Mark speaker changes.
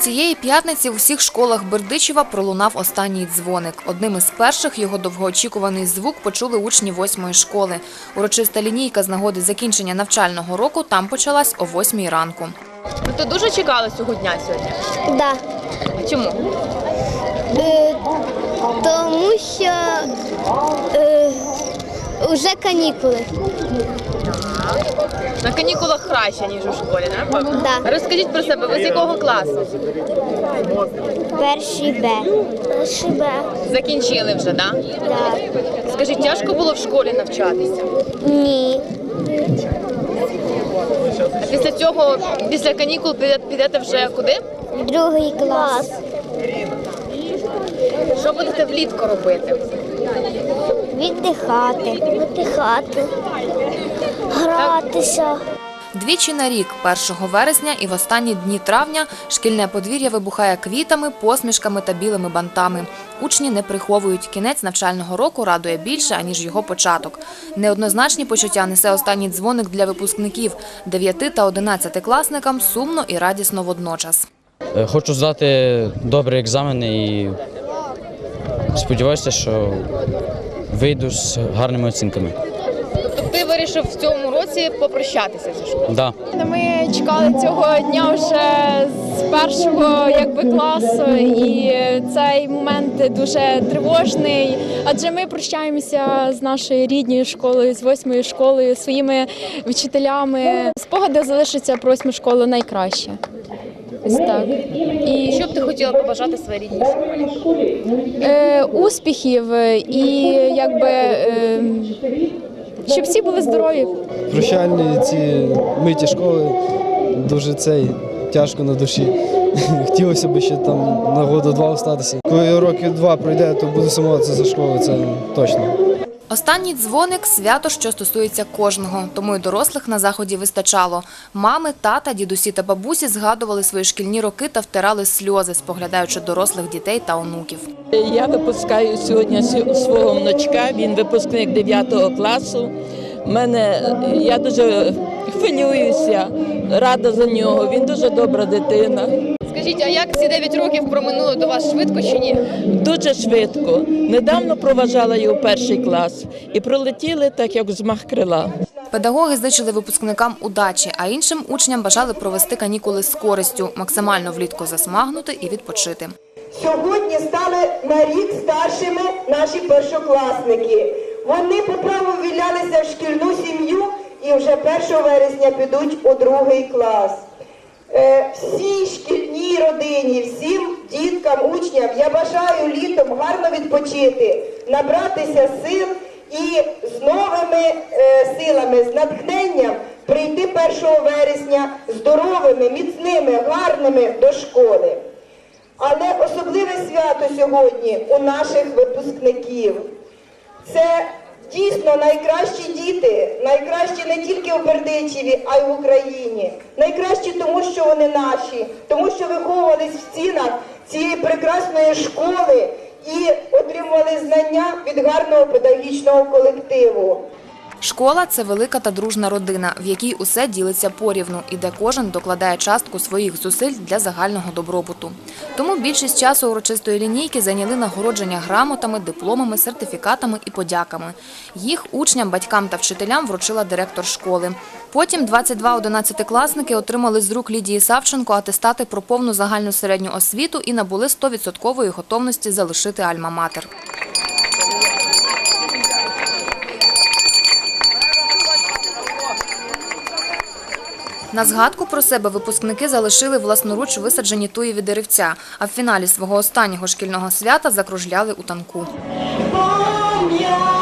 Speaker 1: Цієї п'ятниці в усіх школах Бердичева пролунав останній дзвоник. Одним із перших його довгоочікуваний звук почули учні 8-ї школи. Урочиста лінійка з нагоди закінчення навчального року там почалась о 8-й ранку.
Speaker 2: Ти дуже чекала цього дня сьогодні?
Speaker 3: Да.
Speaker 2: Чому?
Speaker 3: Тому що вже канікули.
Speaker 2: На канікулах краще, ніж у школі, напевно?
Speaker 3: Да.
Speaker 2: Розкажіть про себе, ви з якого класу?
Speaker 3: Перший Б. Перший Б.
Speaker 2: Закінчили вже, так?
Speaker 3: Да.
Speaker 2: Скажіть, тяжко було в школі навчатися?
Speaker 3: Ні.
Speaker 2: А після цього, після канікул підете вже куди?
Speaker 3: Другий клас.
Speaker 2: Що будете влітку робити?
Speaker 3: Віддихати. Гратися.
Speaker 1: Двічі на рік, 1 вересня і в останні дні травня, шкільне подвір'я вибухає квітами, посмішками та білими бантами. Учні не приховують. Кінець навчального року радує більше, аніж його початок. Неоднозначні почуття несе останній дзвоник для випускників. 9 та 11-класникам сумно і радісно водночас.
Speaker 4: Хочу здати добрі екзамени і сподіваюся, що вийду з гарними оцінками.
Speaker 2: Тобто ти вирішив в цьому році попрощатися зі школою?
Speaker 4: Да.
Speaker 5: Ми чекали цього дня вже з першого класу, і цей момент дуже тривожний, адже ми прощаємося з нашою рідною школою, з 8-ю школою, своїми вчителями. Спогади залишаться про 8-му школу найкраще. Ось так.
Speaker 2: І що б ти хотіла побажати своїй рідній школі?
Speaker 5: Успіхів і щоб всі були здорові.
Speaker 6: Прощальні ці миті школи дуже тяжко на душі. Хотілося б ще там на году-два остатися. Коли роки 2 пройде, то буду сумуватися за школою, це точно.
Speaker 1: Останній дзвоник – свято, що стосується кожного, тому й дорослих на заході вистачало. Мами, тата, дідусі та бабусі згадували свої шкільні роки та втирали сльози, споглядаючи дорослих дітей та онуків.
Speaker 7: Я випускаю сьогодні свого внучка, він випускник 9 класу. Я дуже хвилююся, рада за нього, він дуже добра дитина.
Speaker 2: Скажіть, а як ці 9 років проминули до вас швидко чи ні?
Speaker 7: Дуже швидко. Недавно проважала його 1-й клас і пролетіли так, як взмах крила.
Speaker 1: Педагоги зичили випускникам удачі, а іншим учням бажали провести канікули з користю, максимально влітку засмагнути і відпочити.
Speaker 8: Сьогодні стали на рік старшими наші першокласники. Вони по праву ввілялися в шкільну сім'ю і вже 1 вересня підуть у 2-й клас. Всій шкільній родині, всім діткам, учням я бажаю літом гарно відпочити, набратися сил і з новими силами, з натхненням прийти 1 вересня здоровими, міцними, гарними до школи. Але особливе свято сьогодні у наших випускників. Це дійсно найкращі діти, найкращі не тільки у Бердичеві, а й в Україні. Найкращі тому, що вони наші, тому що виховувались в стінах цієї прекрасної школи і отримували знання від гарного педагогічного колективу.
Speaker 1: Школа – це велика та дружна родина, в якій усе ділиться порівну і де кожен докладає частку своїх зусиль для загального добробуту. Тому більшість часу урочистої лінійки зайняли нагородження грамотами, дипломами, сертифікатами і подяками. Їх учням, батькам та вчителям вручила директор школи. Потім 22 11-класники отримали з рук Лідії Савченко атестати про повну загальну середню освіту і набули 100% готовності залишити альма-матер. На згадку про себе випускники залишили власноруч висаджені туєві деревця, а в фіналі свого останнього шкільного свята закружляли у танку.